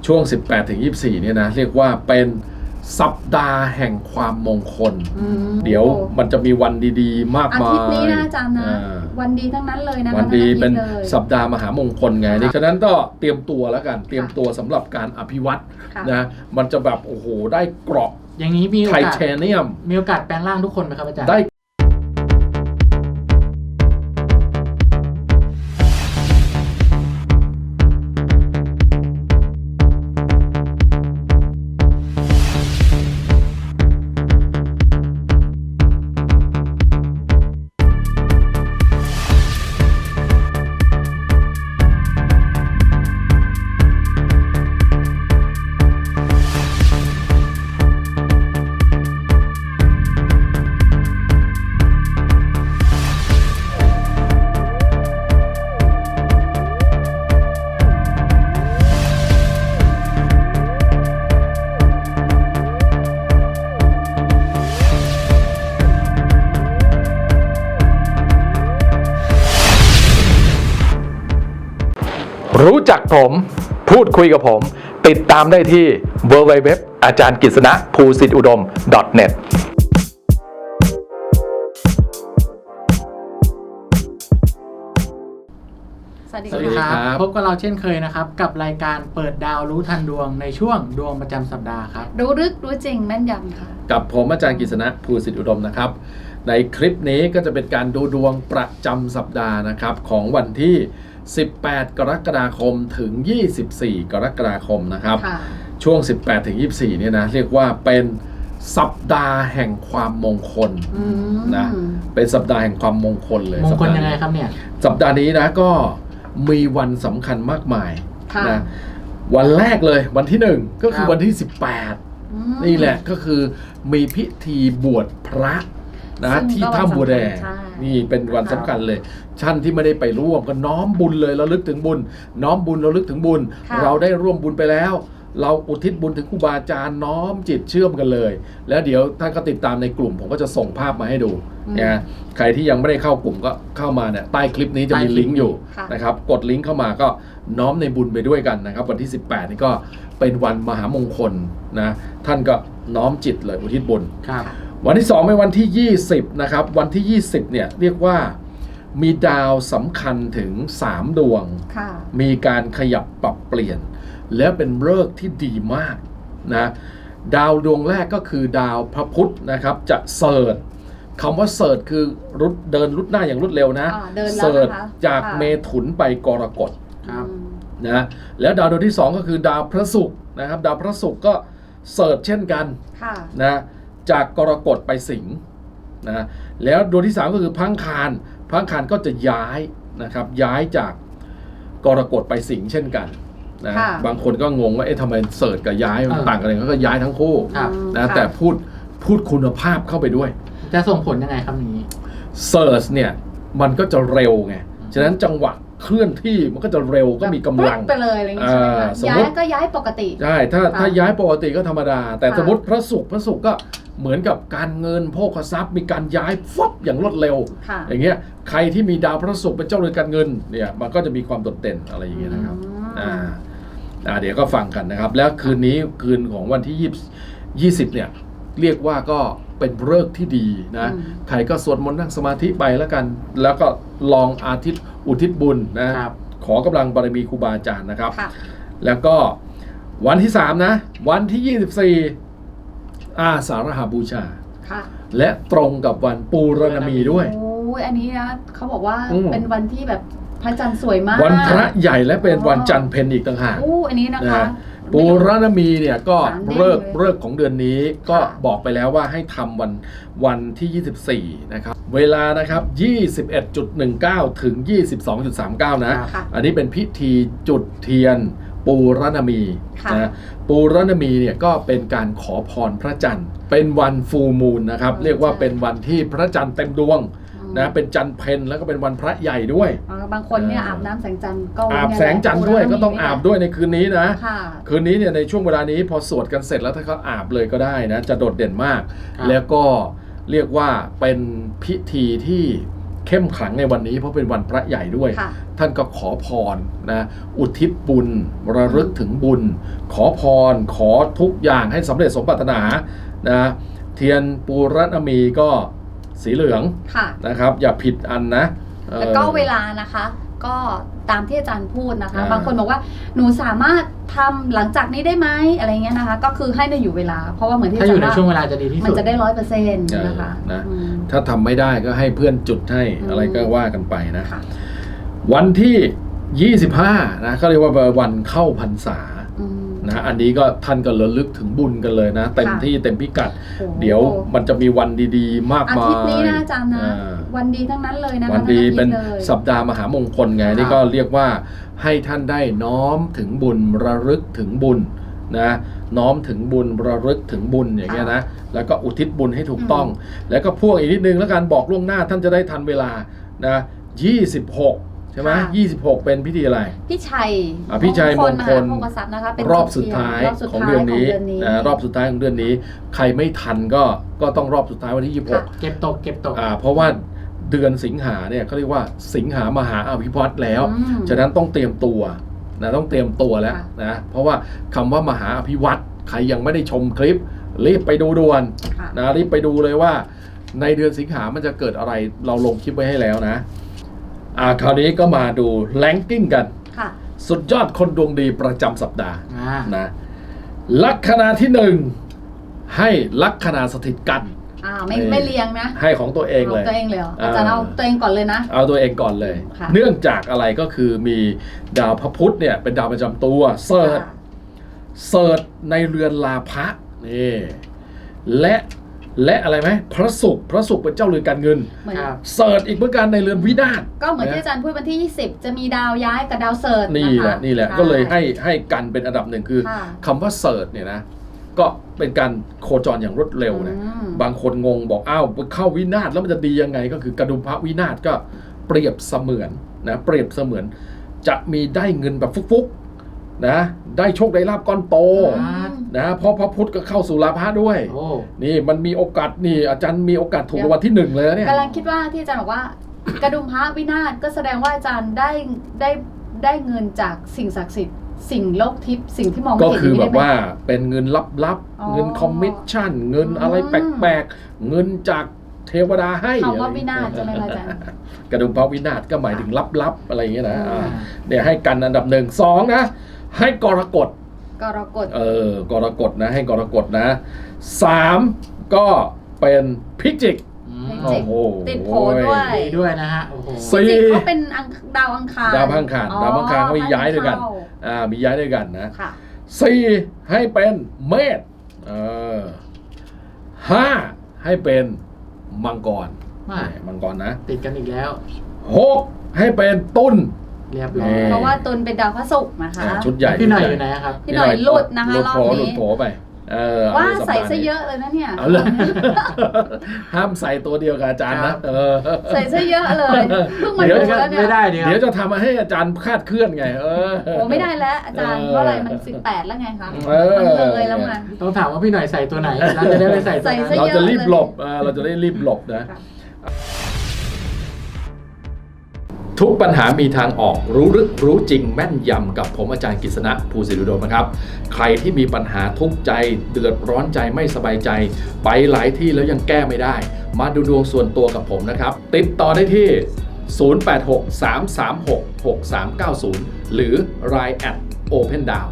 ช่วง 18-24 เนี่ยนะเรียกว่าเป็นสัปดาห์แห่งความมงคลเดี๋ยวมันจะมีวันดีๆมากมายอาทิตย์นี้นะอาจารย์นะวันดีทั้งนั้นเลยนะคะวันดีเป็นสัปดาห์มหามงคลไงฉะนั้นก็เตรียมตัวแล้วกันเตรียมตัวสำหรับการอภิวัตนะมันจะแบบโอ้โหได้เกราะอย่างนี้มีโอไทกาสเทเนียมมีโอกาสแปลงร่างทุกคนไหมครับอาจารย์ได้รู้จักผมพูดคุยกับผมติดตามได้ที่ www อาจารย์กฤษณะภูสิทธิอุดม .net สวัสดีสวัสดีคครับ รับพบกับเราเช่นเคยนะครับกับรายการเปิดดาวรู้ทันดวงในช่วงดวงประจำสัปดาห์ครับรู้ลึกรู้จริงแม่นยำค่ะกับผมอาจารย์กฤษณะภูสิทธิอุดมนะครับในคลิปนี้ก็จะเป็นการดูดวงประจำสัปดาห์นะครับของวันที่18 กรกฎาคมถึง24 กรกฎาคมนะครับช่วง 18-24 เนี่ยนะเรียกว่าเป็นสัปดาห์แห่งความมงคลนะเป็นสัปดาห์แห่งความมงคลเลยมงคลยังไงครับเนี่ยสัปดาห์นี้นะก็มีวันสำคัญมากมายนะวันแรกเลยวันที่1ก็คือวันที่18นี่แหละก็คือมีพิธีบวชพระนะที่ถ้ำบัวแดงนี่เป็นวันสำคัญเลยท่านที่ไม่ได้ไปร่วมก็น้อมบุญเลยระลึกถึงบุญน้อมบุญระลึกถึงบุญเราได้ร่วมบุญไปแล้วเราอุทิศบุญถึงครูบาอาจารย์น้อมจิตเชื่อมกันเลยแล้วเดี๋ยวท่านก็ติดตามในกลุ่มผมก็จะส่งภาพมาให้ดูนะใครที่ยังไม่ได้เข้ากลุ่มก็เข้ามาเนี่ยใต้คลิปนี้จะมีลิงก์อยู่นะครับกดลิงก์เข้ามาก็น้อมในบุญไปด้วยกันนะครับวันที่18นี่ก็เป็นวันมหามงคลนะท่านก็น้อมจิตเลยอุทิศบุญวันที่2เป็นวันที่20นะครับวันที่20เนี่ยเรียกว่ามีดาวสำคัญถึง3ดวงมีการขยับปรับเปลี่ยนและเป็นฤกษ์ที่ดีมากนะดาวดวงแรกก็คือดาวพระพุธนะครับจะเสิร์ชคำว่าเสิร์ชคือเดินรุดหน้าอย่างรวดเร็วนะเสิร์ชจากเมถุนไปกรกฎนะแล้วดาวดวงที่2ก็คือดาวพระศุกร์นะครับดาวพระศุกร์ก็เสิร์ชเช่นกันนะจากกรกฎไปสิงห์นะแล้วดวงที่3ก็คือพระอังคารก็จะย้ายนะครับย้ายจากกรกฎไปสิงห์เช่นกันนะบางคนก็งงว่าทำไมเสิร์ชกับย้ายมันต่างกันเลยก็ย้ายทั้งคู่นะแต่พูดคุณภาพเข้าไปด้วยจะส่งผลยังไงครับนี้เสิร์ชเนี่ยมันก็จะเร็วไงฉะนั้นจังหวะเคลื่อนที่มันก็จะเร็วก็มีกำลังไปเลยอะไรอย่างเงี้ยย้ายก็ย้ายปกติใช่ถ้าย้ายปกติก็ธรรมดาแต่สมมติพระศุกร์ก็เหมือนกับการเงินโภคทรัพย์มีการย้ายฟับอย่างรวดเร็วอย่างเงี้ยใครที่มีดาวพระศุกร์เป็นเจ้าเรือนการเงินเนี่ยมันก็จะมีความโดดเด่นอะไรอย่างเงี้ยนะครับเดี๋ยวก็ฟังกันนะครับแล้วคืนนี้คืนของวันที่20เนี่ยเรียกว่าก็เป็นฤกษ์ที่ดีนะใครก็สวดมนต์นั่งสมาธิไปแล้วกันแล้วก็ลองอุทิศบุญนะขอกำลังบารมีครูบาอาจารย์นะครับแล้วก็วันที่3นะวันที่24อาสาฬหบูชาและตรงกับวันปูรณมีด้วยโอ้ยอันนี้นะเขาบอกว่าเป็นวันที่แบบพระจันทร์สวยมากวันพระใหญ่และเป็นวันจันทร์เพ็ญอีกต่างหากอันนี้นะคะปูรณมีเนี่ยก็เลิกของเดือนนี้ก็บอกไปแล้วว่าให้ทำวันที่24นะครับเวลานะครับ 21.19 ถึง 22.39 นะอันนี้เป็นพิธีจุดเทียนปูรณมีนะปูรณมีเนี่ยก็เป็นการขอพรพระจันทร์เป็นวันฟูลมูนนะครับเรียกว่าเป็นวันที่พระจันทร์เต็มดวงนะเป็นจันทร์เพ็ญแล้วก็เป็นวันพระใหญ่ด้วยบางคนเนี่ยอาบน้ำแสงจันทร์ก็อาบแสงจันทร์ด้วยก็ต้องอาบด้วยในคืนนี้นะคืนนี้เนี่ยในช่วงเวลานี้พอสวดกันเสร็จแล้วถ้าเขาอาบเลยก็ได้นะจะโดดเด่นมากแล้วก็เรียกว่าเป็นพิธีที่เข้มขลังในวันนี้เพราะเป็นวันพระใหญ่ด้วยค่ะท่านก็ขอพรนะอุทิศบุญระลึกถึงบุญ ขอพรขอทุกอย่างให้สำเร็จสมปรารถนานะเทียนปูรณมีก็สีเหลืองค่ะนะครับอย่าผิดอันนะแล้วก็เวลานะคะก็ตามที่อาจารย์พูดนะคะอ่าบางคนบอกว่าหนูสามารถทำหลังจากนี้ได้ไหมอะไรเงี้ยนะคะ ก็คือให้ได้อยู่เวลา เพราะว่าเหมือนที่ถ้าอยู่ในช่วงเวลาจะดีที่มันสุดจะได้100%นะคะนะอืมถ้าทำไม่ได้ก็ให้เพื่อนจุดให้อืมอะไรก็ว่ากันไปนะค่ะวันที่ 25นะเขาเรียกว่าวันเข้าพรรษาอืมนะอันนี้ก็ท่านก็ระลึกถึงบุญกันเลยนะเต็มที่เต็มพิกัดโอ้โหเดี๋ยวมันจะมีวันดีๆ มากอามายทิตย์นี้นะอาจารย์นะอ่าวันดีทั้งนั้นเลยนะคะวันดีทั้งอาทิตย์เป็นเลยสัปดาห์มหามงคลไงค่ะนี่ก็เรียกว่าให้ท่านได้น้อมถึงบุญระลึกถึงบุญนะน้อมถึงบุญระลึกถึงบุญอย่างเงี้ยนะแล้วก็อุทิศบุญให้ถูกต้อง แล้วก็พ่วงอีกนิดนึงแล้วการบอกล่วงหน้าท่านจะได้ทันเวลานะ26ใช่ไหม26 เป็นพิธีอะไรพี่ชัยพี่ชัยมงคลมหาโภคทรัพย์นะคะเป็นรอบสุดท้ายรอบสุดของท้ายเดือนนี้ของเดือนนี้นะรอบสุดท้ายของเดือนนี้ ใครไม่ทันก็ต้องรอบสุดท้ายวันที่ค่ะเก็บตก 26เพราะว่าเดือนสิงหาเนี่ยเขาเรียกว่าสิงหามหาอภิวัตแล้วอืมฉะนั้นต้องเตรียมตัวนะต้องเตรียมตัวแล้วค่ะนะเพราะว่าคำว่ามหาอภิวัตใครยังไม่ได้ชมคลิปรีบไปดูด่วนค่ะนะรีบไปดูเลยว่าในเดือนสิงหามันจะเกิดอะไรเราลงคลิปไว้ให้แล้วนะคราวนี้ก็มาดูแรงกิ้งกันค่ะสุดยอดคนดวงดีประจำสัปดาห์อ่านะลัคนาที่ 1 ให้ลัคนาสถิตกันไม่เรียงนะให้ของตัวเองเลยตัวเองเลยเหรออาจารย์เอาตัวเองก่อนเลยนะเอาตัวเองก่อนเลยค่ะเนื่องจากอะไรก็คือมีดาวพระพุธเนี่ยเป็นดาวประจำตัวเสิร์ชค่ะเสิร์ชในเรือนลาภะนี่และอะไรไหมพระศุกร์เป็นเจ้าเรือนการเงินเหมือนครับเสิร์ชอีกเหมือนกันในเรือนวินาศก็เหมือนที่อาจารย์พูดวันที่ 20 จะมีดาวย้ายกับดาวเสิร์ชนี่แหละคนี่แหละใช่ก็เลยให้กันเป็นอันดับหนึ่งคือค่ะคำว่าเสิร์ชเนี่ยนะก็เป็นการโคจรอย่างรวดเร็วนะอืมบางคนงงบอกอ้าวเข้าวินาศแล้วมันจะดียังไงก็คือกระดุมพระวินาศก็เปรียบเสมือนนะเปรียบเสมือนจะมีได้เงินแบบฟุกๆนะได้โชคได้ลาภก้อนโตอืมนะเพราะพระพุธก็เข้าสู่ลาภะด้วยโอ้นี่มันมีโอกาสนี่อาจารย์มีโอกาสถูกรางวัลที่ 1เลยนะเนี่ยกำลังคิดว่าที่อาจารย์บอกว่า กระดุมพระวินาศก็แสดงว่าอาจารย์ได้เงินจากสิ่งศักดิ์สิทธิ์สิ่งโลกทิพย์สิ่งที่มองไม่ก็เห็นคือนี้แบได้บไหมว่าเป็นเงินลับอ๋อๆเงินคอมมิชชั่นเงินอะไรแปลกๆเงินจากเทวดาให้คำว่าวินาศใช่ไหมคะอาจารย์กระดุมพระวินาศก็หมายถึงลับๆอะไรอย่างเงี้ยนะอืมเนี่ยให้กันอันดับ1 2นะให้กรกฎกรกฎกรกฎนะให้กรกฎนะ3ก็เป็นพิจิกอืมจิกโอ้โหติดโผด้วยดีด้วยนะฮะ โอ้โหสี่จริงๆเขาเป็นดาวอังคารดาวอังคารอ๋อดาวอังคารเขามีย้ายด้วยกันเข้ามีย้ายด้วยกันนะค่ะ 4ให้เป็นเมษ5ให้เป็นมังกรว่ามังกรนะติดกันอีกแล้ว 6ให้เป็นตุลเรียบร้อยเพราะว่าตุลเป็นดาวพระศุกร์นะคะชุดใหญ่พี่หน่อยชุดอยู่ใญ่ไหนครับพี่หน่อยหลุดนะคะรอบนี้หลุดโผไปเอว่าในปใส่ดห์ซะนี้เยอะเลยนะเนี่ยเอาเลย ห้ามใส่ตัวเดียวกับอาจารย์ครันะบใส่ซะเยอะเลยเพิ่งมาเดี๋ยวดูแล้วเนี่ยไม่ได้ดีคเดี๋ยวรับจะทำมาให้อาจารย์คาดเคลื่อนไงโอ้ไม่ได้แล้วอาจารย์เออเพราะอะไรมัน18แล้วไงคะเออมันเลยแล้วไงต้องถามว่าพี่หน่อยใส่ตัวไหนเราจะได้ไปใส่ตัวใส่นั้นซะเราเยอะจะรีบหลบเราจะได้รีบหลบนะค่ะทุกปัญหามีทางออกรู้ลึกรู้จริงแม่นยำกับผมอาจารย์กฤษณะภูสิริโดมนะครับใครที่มีปัญหาทุกข์ใจเดือดร้อนใจไม่สบายใจ ไปหลายที่แล้วยังแก้ไม่ได้ มาดูดวงส่วนตัวกับผมนะครับติดต่อได้ที่ 0863366390 หรือ Line @opendown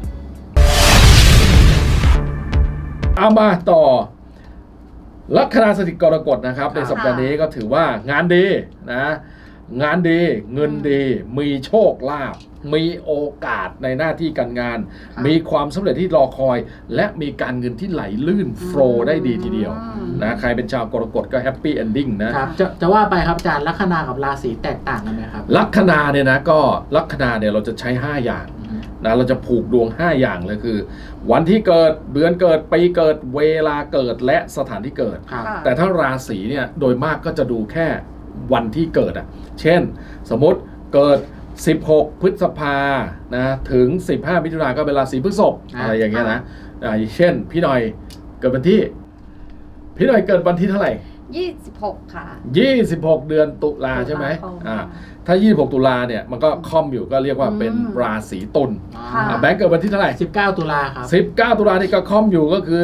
เอามาต่อลัคนาสถิตกรกฎนะครับในสัปดาห์นี้ก็ถือว่างานดีนะงานดีเงินดีมีโชคลาภมีโอกาสในหน้าที่การงานค่ะมีความสำเร็จที่รอคอย และมีการเงินที่ไหลลื่นโฟลว์ได้ดีทีเดียวนะใครเป็นชาวกรกฎก็แฮปปี้เอนดิ้งนะครับจะว่าไปครับอาจารย์ลัคนากับราศีแตกต่างกันไหมครับลัคนาเนี่ยนะก็ลัคนาเนี่ยเราจะใช้ 5 อย่างนะเราจะผูกดวง 5 อย่างเลยคือ วันที่เกิดเดือนเกิดปีเกิดเวลาเกิดและสถานที่เกิดครับค่ะแต่ถ้าราศีเนี่ยโดยมากก็จะดูแค่วันที่เกิดเช่นสมมติเกิด 16 พฤษภานะถึง 15 มิถุนายนก็เป็นราศีพฤษภอะไรอย่างเงี้ยนะเช่นพี่หน่อยเกิดวันที่เท่าไหร่ 26 ค่ะ 26 เดือนตุลาใช่ไหมตุลาคมถ้า 26 ตุลาเนี่ยมันก็ค่อมอยู่ก็เรียกว่าเป็นราศีตุลค่ะแบงค์เกิดวันที่เท่าไหร่ 19 ตุลาครับ 19 ตุลานี่ก็ค่อมอยู่ก็คือ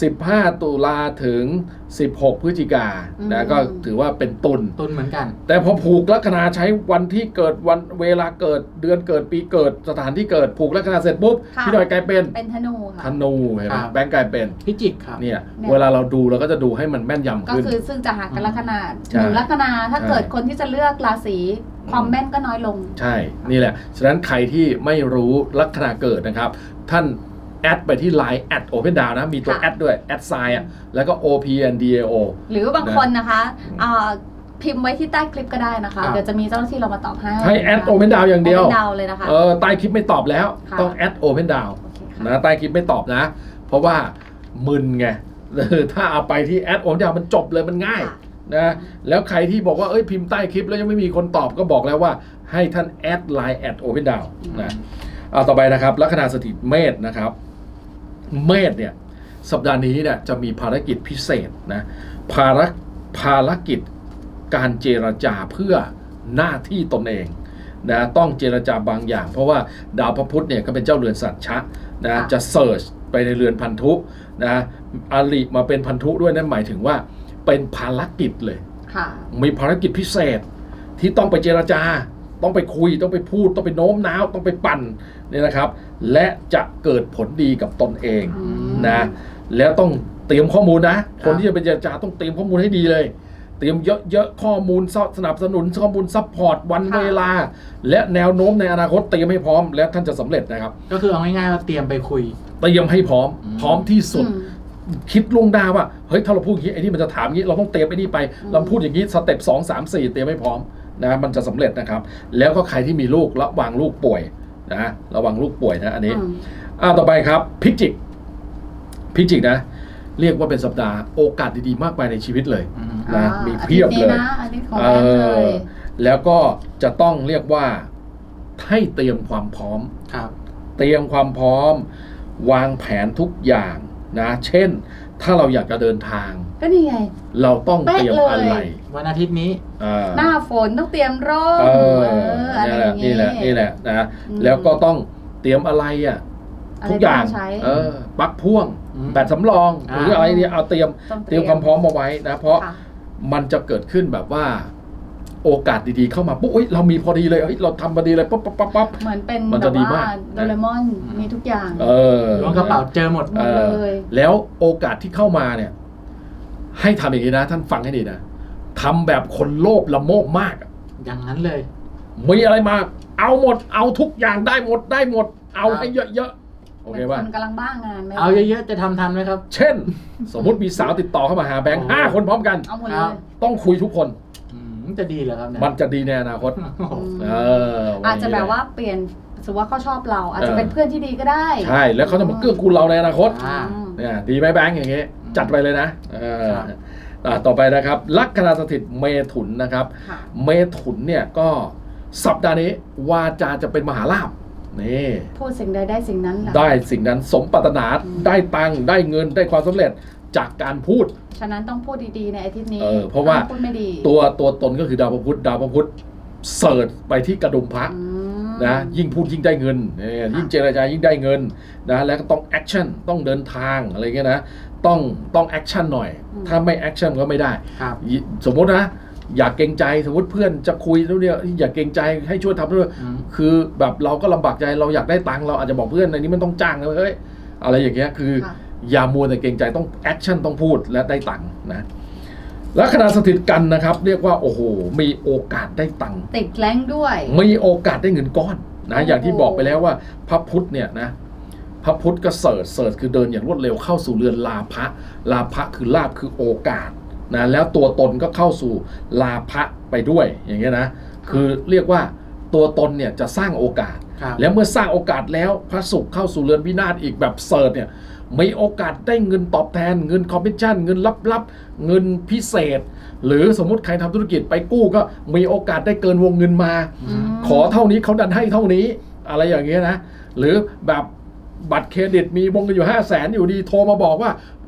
15 ตุลาถึง 16 พฤศจิกานะก็ถือว่าเป็นตุลตุลเหมือนกันแต่พอผูกลัคนาใช้วันที่เกิดวันเวลาเกิดเดือนเกิดปีเกิดสถานที่เกิดผูกลัคนาเสร็จปุ๊บค่ะพี่หน่อยกลายเป็นเป็นธนูค่ะธนูเห็นไหมครับแบงค์กลายเป็นพิจิกครับเนี่ยเนี่ยเวลาเราดูเราก็จะดูให้มันแม่นยำก็ขึ้นคือซึ่งจะหากันลัคนาใช่หนึ่งลัคนาถ้าใช่เกิดคนที่จะเลือกราศีความแม่นก็น้อยลงใช่นี่แหละฉะนั้นใครที่ไม่รู้ลัคนาเกิดนะครับ ท่านแอดไปที่ Line @opendown นะมีตัวค่ะแอดด้วยแอดไซน์อ่ะแล้วก็ OPNDAO หรือบางคนนะคะพิมพ์ไว้ที่ใต้คลิปก็ได้นะคะครับเดี๋ยวจะมีเจ้าหน้าที่เรามาตอบให้ให้แอด Open Down อย่างเดียว Open Down เลยนะคะใต้คลิปไม่ตอบแล้วค่ะต้องแอด Open Down โอเคค่ะนะใต้คลิปไม่ตอบนะ เพราะว่ามึนไง ถ้าเอาไปที่แอด Open Down มันจบเลยมันง่ายค่ะนะแล้วใครที่บอกว่าเอ้ยพิมพ์ใต้คลิปแล้วยังไม่มีคนตอบก็บอกแล้วว่าให้ท่านแอด Line @Open Down นะเอาต่อไปนะครับลัคนาสถิตเมษนะครับเมษเนี่ยสัปดาห์นี้เนี่ยจะมีภารกิจพิเศษนะภารกิจการเจรจาเพื่อหน้าที่ตนเองนะต้องเจรจาบางอย่าง เพราะว่าดาวพระพุธเนี่ยก็เป็นเจ้าเรือนสัตว์ชะนะค่ะจะเสิร์ชไปในเรือนพันธุนะอริมาเป็นพันธุด้วยนั่นหมายถึงว่าเป็นภารกิจเลยค่ะมีภารกิจพิเศษที่ต้องไปเจรจา ต้องไปคุยต้องไปพูดต้องไปโน้มน้าวต้องไปปั่นเนี่ยนะครับ และจะเกิดผลดีกับตนเองอืมนะแล้วต้องเตรียมข้อมูลนะ คนที่จะไปเจรจาต้องเตรียมข้อมูลให้ดีเลย เตรียมเยอะๆข้อมูลสนับสนุนข้อมูลซัพพอร์ตวันเวลา และแนวโน้มในอนาคตเตรียมให้พร้อมและท่านจะสำเร็จนะครับก็คือเอาง่ายๆว่าเตรียมไปคุยเตรียมให้พร้อม พร้อมที่สุดอืมคิดล่วงหน้าว่าเฮ้ยถ้าเราพูดอย่างนี้ไอ้นี่มันจะถามอย่างนี้เราต้องเตรียมไอ้นี่ไป เราพูดอย่างนี้สเต็ป2 3 4เตรียมให้พร้อมนะมันจะสำเร็จนะครับ แล้วก็ใครที่มีลูกระวังลูกป่วยนะระวังลูกป่วยนะอันนี้ ต่อไปครับพิจิกนะเรียกว่าเป็นสัปดาห์โอกาสดีๆมากมายในชีวิตเลยนะมีเพียบเลยอาทิตย์นี้นะอาทิตย์ของแม่เลยแล้วก็จะต้องเรียกว่าให้เตรียมความพร้อมครับเตรียมความพร้อม วางแผนทุกอย่างนะเช่นถ้าเราอยากจะเดินทางก็นี่ไงเราต้องเตรียมอะไรวันอาทิตย์นี้หน้าฝนต้องเตรียมร่มอะไรอย่างนี่แหละนะอืมแล้วก็ต้องเตรียมอะไรอ่ะอะไรทุกอย่างที่ต้องใช้ปลั๊กพ่วงอืมแบตสำรองหรืออะไรเนี่ยเอาเตรียมต้องเตรียมความพร้อมมาไว้นะเพราะค่ะมันจะเกิดขึ้นแบบว่า โอกาสดีๆเข้ามาปุ๊บเอ้ยเรามีพอดีเลยเอ้ยเราทำพอดีเลยปั๊บเหมือนเป็นมันแบจะบดีว่ามากโดเรมอนมีทุกอย่างล้วงกระเป๋าเจอหมดหมดเลยแล้วโอกาสที่เข้ามาเนี่ย ให้ทำอย่างนี้นะท่านฟังให้ดีนะทำแบบคนโลภละโมบมากอะอย่างนั้นเลยมีอะไรมา เอาหมด เอาทุกอย่างได้หมด เอาให้เยอะๆโอเคป่ะคนกำลังบ้างานไหมเอาเยอะๆจะทำทันไหมครับเช่น สมมุติมีสาวติดต่อเข้ามาหาแบงค์โอ้ 5 คนพร้อมกันเอาหมดเลครัยบต้องคุยทุกคนจะดีเหรอครับเนี่ยมันจะดีในอนาคตโอ้โหเอออาจจะแบบว่าเปลี่ยนสมมติว่าเขาชอบเรา อาจจะเป็นเพื่อนที่ดีก็ได้ใช่แล้วเขาจะมาเกื้อกูลเราในอนาคตอ่าเนี่ยดีไหมแบงค์อย่างเงี้ยจัดไปเลยนะครับต่อไปนะครับลัคนาสถิตเมถุนนะครับค่ะเมถุนเนี่ยก็สัปดาห์นี้วาจาจะเป็นมหาลาภนี่พูดสิ่งใดได้สิ่งนั้นแหละได้สิ่งนั้นสมปรารถนาได้ตังค์ได้เงินได้ความสำเร็จจากการพูดฉะนั้นต้องพูดดีๆในอาทิตย์นี้เพราะว่าพูดไม่ดีตัวตนก็คือดาวพระพุธเสิร์ชไปที่กระดุมพระอืมนะยิ่งพูดยิ่งได้เงินยิ่งเจรจายิ่งได้เงินนะแล้วก็ต้องแอคชั่นต้องเดินทางอะไรเงี้ยนะต้องแอคชั่นหน่อย ถ้าไม่แอคชั่นก็ไม่ได้ครับสมมตินะอยากเกรงใจสมมติเพื่อนจะคุยแล้วเนี่ยอยากเกรงใจให้ช่วยทำด้วยอืมคือแบบเราก็ลำบากใจเราอยากได้ตังค์เราอาจจะบอกเพื่อนในนี้มันต้องจ้างนะเฮ้ยอะไรอย่างเงี้ยคือค่ะอย่ามัวแต่เกรงใจต้องแอคชั่นต้องพูดและได้ตังค์นะลัคนาสถิตกันนะครับ เรียกว่าโอ้โหมีโอกาสได้ตังค์ติดแรงด้วยมีโอกาสได้เงินก้อนนะโอ้โหอย่างที่บอกไปแล้วว่าพระพุธเนี่ยนะพระพุธก็เสิร์ชคือเดินอย่างรวดเร็วเข้าสู่เรือนลาภะคือลาภคือโอกาสนะแล้วตัวตนก็เข้าสู่ลาภะไปด้วยอย่างเงี้ยนะคือเรียกว่าตัวตนเนี่ยจะสร้างโอกาสครับแล้วเมื่อสร้างโอกาสแล้วพระศุกร์เข้าสู่เรือนวินาศอีกแบบเสิร์ชเนี่ยมีโอกาสได้เงินตอบแทนเงินคอมมิชชั่นเงินลับๆเงินพิเศษ หรือสมมุติใครทำธุรกิจไปกู้ก็มีโอกาสได้เกินวงเงินมาอืมขอเท่านี้เขาดันให้เท่านี้อะไรอย่างเงี้ยนะหรือแบบบัตรเครดิตมีวงเงินอยู่500,000อยู่ดีโทรมาบอกว่า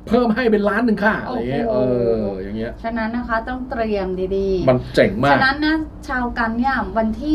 เพิ่มให้เป็นล้านหนึ่งค่ะอะไรเงี้ยอย่างเงี้ยฉะนั้นนะคะต้องเตรียมดีๆมันเจ๋งมากฉะนั้นนะชาวกันเนี่ยวันที่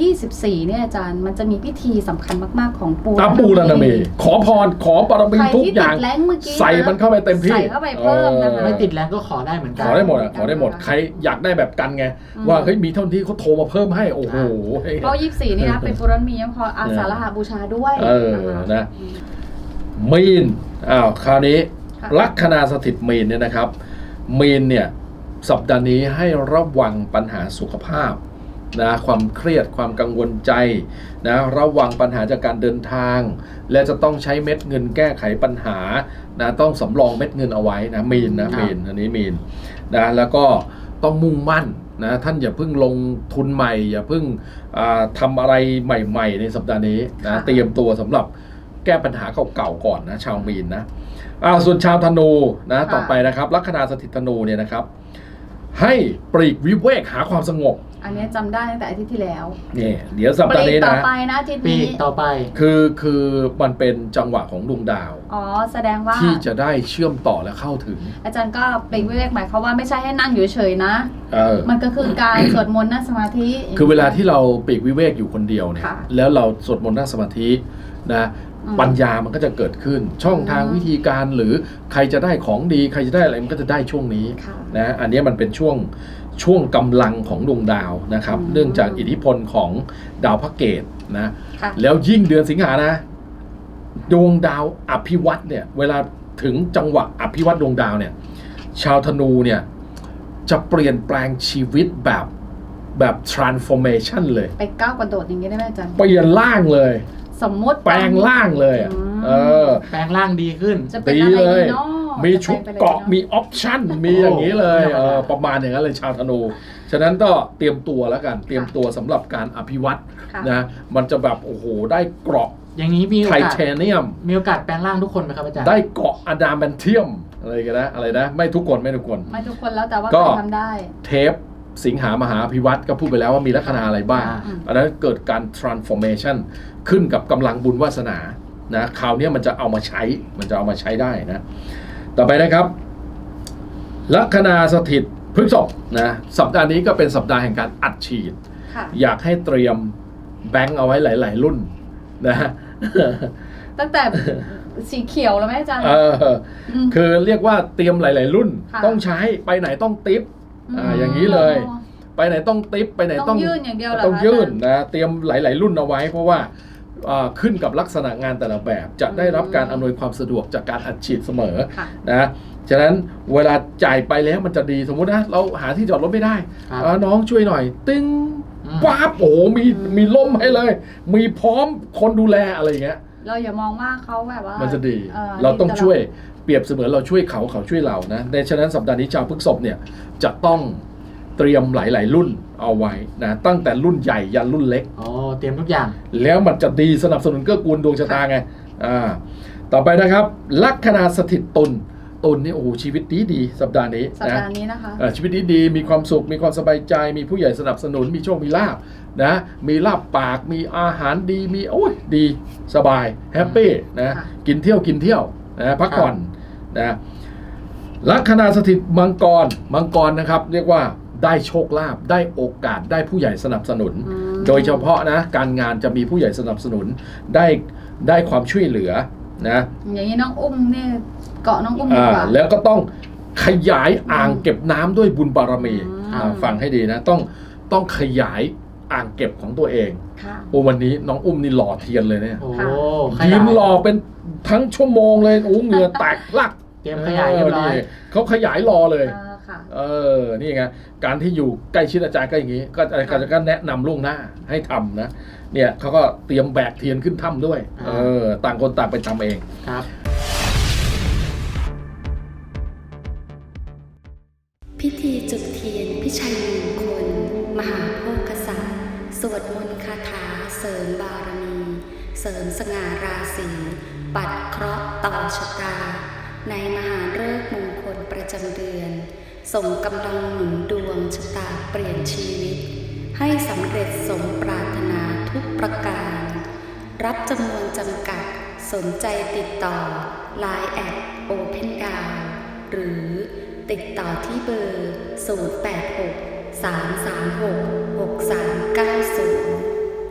24เนี่ยอาจารย์มันจะมีพิธีสำคัญมากๆของปูรณมีขอพรขอปรมีทุกอย่างใส่มันเข้าไปเต็มที่ใส่เข้าไปเพิ่มนะคะไม่ติดแรงก็ขอได้เหมือนกันขอได้หมดขอได้หมดใครอยากได้แบบกันไงว่าเฮ้ยมีเท่าที่เขาโทรมาเพิ่มให้โอ้โหเพราะ24นี่นะเป็นปูรณมียังพออาสาฬหบูชาด้วยนะมีนคราวนี้ลัคนาสถิตมีนเนี่ยนะครับมีนเนี่ยสัปดาห์นี้ให้ระวังปัญหาสุขภาพนะความเครียดความกังวลใจนะระวังปัญหาจากการเดินทางและจะต้องใช้เม็ดเงินแก้ไขปัญหานะต้องสำรองเม็ดเงินเอาไไว้นะมีนนะมีนอันนี้มีนนะแล้วก็ต้องมุ่งมั่นนะท่านอย่าเพิ่งลงทุนใหม่อย่าเพิ่งทำอะไรใหม่ๆในสัปดาห์นี้นะเตรียมตัวสำหรับแก้ปัญหาเก่าๆก่อนนะชาวมีนนะส่วนชาวธนูนะต่อไปนะครับลัคนาสถิตธนูเนี่ยนะครับให้ปลีกวิเวกหาความสงบอันนี้จำได้ตั้งแต่อาทิตย์ที่แล้วนี่เดี๋ยวสัปดาห์นี้นะต่อไปนะอาทิตย์นี้ต่อไปคือมันเป็นจังหวะของดวงดาวแสดงว่าที่จะได้เชื่อมต่อและเข้าถึงอาจารย์ก็ปลีกวิเวกหมายความว่าไม่ใช่ให้นั่งอยู่เฉยๆนะมันก็คือการสวดมนต์นั่งสมาธิคือเวลาที่เราปลีกวิเวกอยู่คนเดียวเนี่ยแล้วเราสวดมนต์นั่งสมาธินะปัญญามันก็จะเกิดขึ้นช่องทางวิธีการหรือใครจะได้ของดีใครจะได้อะไรมันก็จะได้ช่วงนี้นะอันนี้มันเป็นช่วงกำลังของดวงดาวนะครับเนื่องจากอิทธิพลของดาวพระเกตนะแล้วยิ่งเดือนสิงหานะดวงดาวอภิวัตเนี่ยเวลาถึงจังหวะอภิวัตดวงดาวเนี่ยชาวธนูเนี่ยจะเปลี่ยนแปลงชีวิตแบบ transformation เลยไปก้าวกระโดดอย่างนี้ได้ไหมอาจารย์เปลี่ยนร่างเลยสมมติแปลงร่างเลยแปลงร่างดีขึ้นดีเลยมีชุดเกาะมีออปชั่นมีอย่างนี้เลยประมาณอย่างนั้นเลยชาวธนูฉะนั้นก็เตรียมตัวแล้วกันเตรียมตัวสำหรับการอภิวัตนะมันจะแบบโอ้โหได้เกราะอย่างนี้มีไทเทเนียมมีโอกาสแปลงร่างทุกคนไหมครับอาจารย์ได้เกาะอะดามแมนเทียมอะไรกันนะอะไรนะไม่ทุกคนไม่ทุกคนแล้วแต่ว่าใครทำได้เทปสิงหามหาอภิวัตก็พูดไปแล้วว่ามีลัคนาอะไรบ้างอันนั้นเกิดการ transformation ขึ้นกับกำลังบุญวาสนานะคราวนี้มันจะเอามาใช้ได้นะต่อไปนะครับลัคนาสถิตพฤษภนะสัปดาห์นี้ก็เป็นสัปดาห์แห่งการอัดฉีดอยากให้เตรียมแบงค์เอาไว้หลายๆรุ่นนะตั้งแต่สีเขียวแล้วไหมอาจารย์คือเรียกว่าเตรียมหลายๆรุ่นต้องใช้ไปไหนต้องติ๊บอย่างนี้เลยไปไหนต้องติ๊บไปไหนต้องยื่นอย่างเดียวต้องยื่นนะเตรียมหลายๆรุ่นเอาไว้เพราะว่าขึ้นกับลักษณะงานแต่ละแบบจะได้รับการอำนวยความสะดวกจากการอัดฉีดเสมอนะฉะนั้นเวลาจ่ายไปแล้วมันจะดีสมมุตินะเราหาที่จอดรถไม่ได้น้องช่วยหน่อยตึ้งปั๊บโอ้โหมีล่มให้เลยมีพร้อมคนดูแลอะไรอย่างเงี้ยเราอย่ามองว่าเขาแบบว่ามันจะดีเราต้องช่วยเปรียบเสมือนเราช่วยเขาช่วยเรานะในฉะนั้นสัปดาห์นี้ชาวพฤษภเนี่ยจะต้องเตรียมหลายๆรุ่นเอาไว้นะตั้งแต่รุ่นใหญ่ยันรุ่นเล็กเตรียมทุกอย่างแล้วมันจะดีสนับสนุนเกื้อกูลดวงชะตาไงต่อไปนะครับลัคนาสถิตตุลนี่โอ้โหชีวิตดีสัปดาห์นี้นะคะชีวิตดีมีความสุขมีความสบายใจมีผู้ใหญ่สนับสนุนมีโชคมีลาภนะมีลาบปากมีอาหารดีมีโอ้ยดีสบายแฮปปี้นะกินเที่ยวนะพักผ่อนนะลัคนาสถิตมังกรนะครับเรียกว่าได้โชคลาภได้โอกาสได้ผู้ใหญ่สนับสนุนโดยเฉพาะนะการงานจะมีผู้ใหญ่สนับสนุนได้ความช่วยเหลือนะอย่างนี้น้องอุ้มเนี่ยเกาะน้องอุ้มดีกว่าแล้วก็ต้องขยายอ่างเก็บน้ำด้วยบุญบารมีฟังให้ดีนะต้องขยายอ่างเก็บของตัวเองโอ้วันนี้น้องอุ้มนี่หล่อเทียนเลยเนี่ยยืนหล่อเป็นทั้งชั่วโมงเลยโอ้เหงื่อแตกลักเตรียมขยายเรียบร้อยเขาขยายรอเลยนี่ไงการที่อยู่ใกล้ชิดอาจารย์ก็อย่างนี้ก็อาจารย์ก็แนะนำล่วงหน้าให้ทำนะเนี่ยเขาก็เตรียมแบกเทียนขึ้นถ้ำด้วยต่างคนต่างไปทำเองครับพิธีจุดเทียนพิชัยมงคลมหาโภคศัตริย์สวดมนต์คาถาเสริมบารมีเสริมสง่าราศีปัดเคราะห์ต่อชะตาในมหาฤกษ์มงคลประจำเดือนส่งกำลังหนุนดวงชะตาเปลี่ยนชีวิตให้สำเร็จสมปรารถนาทุกประการรับจำนวนจำกัดสนใจติดต่อ Line @Open Down หรือติดต่อที่เบอร์ 086 336 6390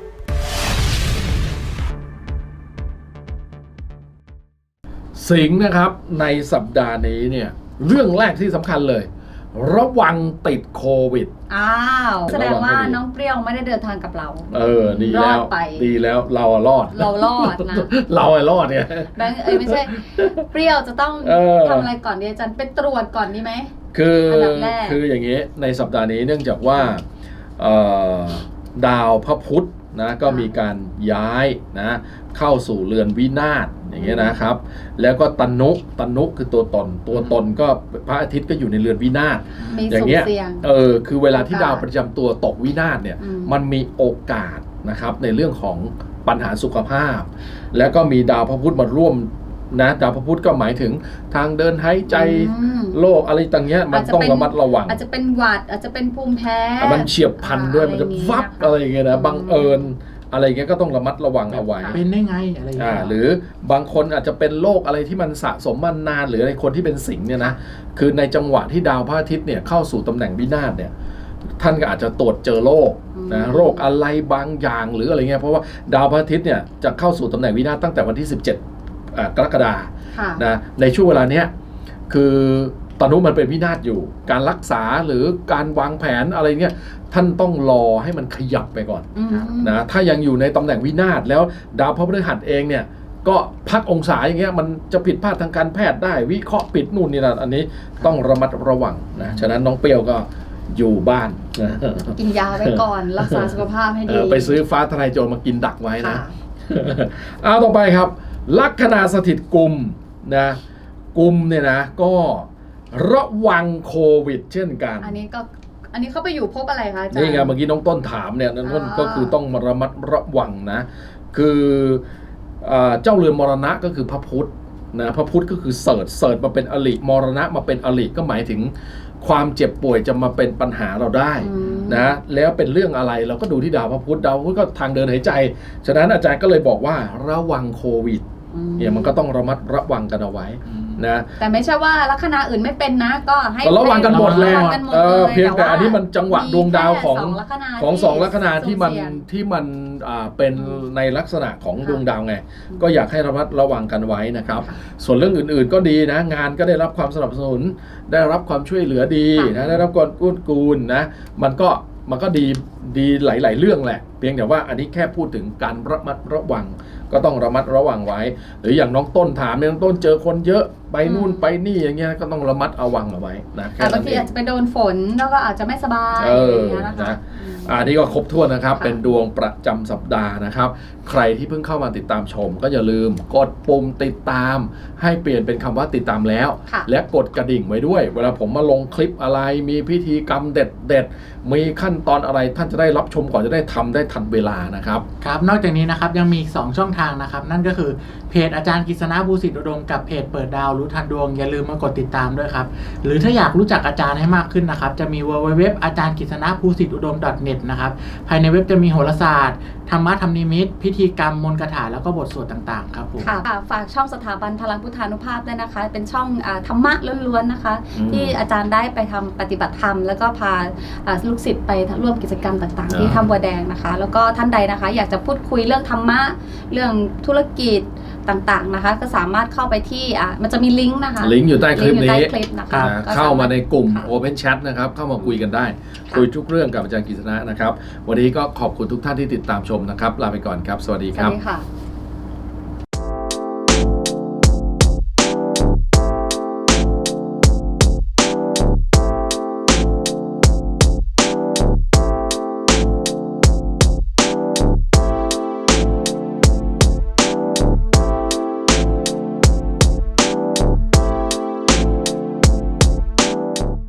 สิงห์นะครับในสัปดาห์นี้เนี่ยเรื่องแรกที่สำคัญเลย ระวังติดโควิดอ้าวแสดงว่าระวังให้ดีน้องเปรี้ยวไม่ได้เดินทางกับเราดีรอแล้ดวไปดีแล้วเราอะรอดเรารอดนะเราอะรอดเนี่ยแบงค์ไม่ใช่ เปรี้ยวจะต้องทำทำอะไรก่อนดีอาจารย์ไปตรวจก่อนดีไหมอันดับแรกคืออย่างนี้ในสัปดาห์นี้เนื่องจากว่าดาวพระพุธนะก็มีการย้ายนะเข้าสู่เรือนวินาศอย่างเงี้ยนะครับ แล้วก็ตนุคือตัวตนก็พระอาทิตย์ก็อยู่ในเรือนวินาศมีอย่าสุ่งมเงี้ยเสี่ยงคือเวลาที่โอกาสดาวประจำตัวตกวินาศเนี่ยอืมมันมีโอกาสนะครับในเรื่องของปัญหาสุขภาพ แล้วก็มีดาวพระพุธมาร่วมนะดาวพระพุธก็หมายถึงทางเดินหายใจอืมโรคอะไรต่างเงี้ยมันต้องระมัดระวังอาจจะเป็นหวัดอาจจะเป็นภูมิแพ้แต่มันเฉียบพลันด้วยมันจะวับอะไรอย่างเงี้ยนะบังเอิญอะไรอย่างเงี้ยก็ต้องระมัดระวังเอาไว้เป็นได้ไงอะไรอย่างเงี้ยหรือบางคนอาจจะเป็นโรคอะไรที่มันสะสมมานานหรืออะไรคนที่เป็นสิงห์เนี่ยนะคือในจังหวะที่ดาวพระอาทิตย์เนี่ยเข้าสู่ตำแหน่งวินาศเนี่ยท่านก็อาจจะตรวจเจอโรคนะโรคอะไรบางอย่างหรืออะไรเงี้ยเพราะว่าดาวพระอาทิตย์เนี่ยจะเข้าสู่ตำแหน่งวินาศตั้งแต่วันที่ 17 กรกฎาคมค่ะนะในช่วงเวลาเนี้ยคือตอนนู้นมันเป็นวินาศอยู่ การรักษาหรือการวางแผนอะไรเงี้ยท่านต้องรอให้มันขยับไปก่อนอืมนะถ้ายังอยู่ในตำแหน่งวินาศแล้วดาวพฤหัสเองเนี่ยก็พักองศาอย่างเงี้ยมันจะผิดพลาดทางการแพทย์ได้วิเคราะห์ผิดนู่นนี่นั่นอันนี้ต้องระมัดระวังนะฉะนั้นน้องเปรี้ยวก็อยู่บ้านนะกินยาไว้ก่อน รักษาสุขภาพให้ดีไปซื้อฟ้าทลายโจรมากินดักไว้นะค่ะเอาต่อไปครับ ลัคนาสถิตกุมนะกุมเนี่ยนะก็ระวังโควิดเช่นกันอันนี้เขาไปอยู่พบอะไรคะอาจารย์นี่ไงเมื่อกี้น้องต้นถามเนี่ยน้องต้นก็คือต้องมาระมัดระวังนะคือเจ้าเรือนมรณะก็คือพระพุธนะพระพุธก็คือเสิร์ชมาเป็นอริมรณะมาเป็นอริก็หมายถึงความเจ็บป่วยจะมาเป็นปัญหาเราได้นะแล้วเป็นเรื่องอะไรเราก็ดูที่ดาวพระพุธก็ทางเดินหายใจฉะนั้นอาจารย์ก็เลยบอกว่าระวังโควิดเนี่ยมันก็ต้องระมัดระวังกันเอาไว้นะแต่ไม่ใช่ว่าลัคนาอื่นไม่เป็นนะก็ให้ก็ระวังกันหมดแหละระวังกันหมดเลยเพียงแต่อันนี้มันจังหวะดวงดาวของมีแค่สองลัคนาที่มันสุ่เสี่ยงเป็นในลักษณะของดวงดาวไงก็อยากให้ระมัดระวังกันไว้นะครับ ส่วนเรื่องอื่นๆก็ดีนะงานก็ได้รับความสนับสนุนได้รับความช่วยเหลือดีนะได้รับการกู้กูลนะมันก็ดีหลายๆเรื่องแหละเพียงแต่ว่าอันนี้แค่พูดถึงการระมัดระวังก็ต้องระมัดระวังไว้หรืออย่างน้องต้นถามเนี่ยน้องต้นเจอคนเยอะไปนู่นไปนี่อย่างเงี้ยก็ต้องระมัดระวังเอาไว้นะแค่แต่บานั้งนทีเองอาจจะไปโดนฝนแล้วก็อาจจะไม่สบายเอออย่างเงี้ยนะคะนะอันนี้ก็ครบถ้วนนะครับค่ะเป็นดวงประจำสัปดาห์นะครับ ใครที่เพิ่งเข้ามาติดตามชม ก็อย่าลืมกดปุ่มติดตาม ให้เปลี่ยนเป็นคำว่าติดตามแล้วค่ะและกดกระดิ่งไว้ด้วย เวลาผมมาลงคลิปอะไรมีพิธีกรรมเด็ดๆมีขั้นตอนอะไรท่านจะได้รับชมก่อนจะได้ทำได้ทันเวลานะครับครับนอกจากนี้นะครับยังมีอีก2ช่องทางนะครับนั่นก็คือเพจอาจารย์กฤษณะภูสิทธิอุดมกับเพจเปิดดาวรู้ทันดวงอย่าลืมมากดติดตามด้วยครับหรือถ้าอยากรู้จักอาจารย์ให้มากขึ้นนะครับจะมี www อาจารย์กฤษณะภูสิทธิอุดม .net นะครับภายในเว็บจะมีโหราศาสตร์ธรรมะธรรมนิมิตพิธีกรรมมนต์คาถาแล้วก็บทสวดต่างๆครับผมค่ะฝากช่องสถาบันพลังพุทธานุภาพด้วยนะคะ เป็นช่องธรรมะล้วนๆนะคะ ที่อาจารย์ได้ไปทำปฏิบัติธรรม แล้วก็พาลูกศิษย์ไปร่วมกิจกรรมต่างๆ ที่ถ้ำบัวแดงนะคะ แล้วก็ท่านใดนะคะ อยากจะพูดคุยเรื่องธรรมะเรื่องธุรกิจต่างๆนะคะ ก็สามารถเข้าไปที่มันจะมีลิงก์นะคะลิงก์อยู่ใต้คลิปงก์อยู่นี้ใต้คลิปนะคะนะก็สรถเข้ามาในกลุ่มค่ะ Open Chat นะครับเข้ามาคุยกันได้ค่ะคุยทุกเรื่องกับอาจารย์กฤษณะนะครับวันนี้ก็ขอบคุณทุกท่านที่ติดตามชมนะครับลาไปก่อนครับสวัสดีสควัรัสบดีค่ะ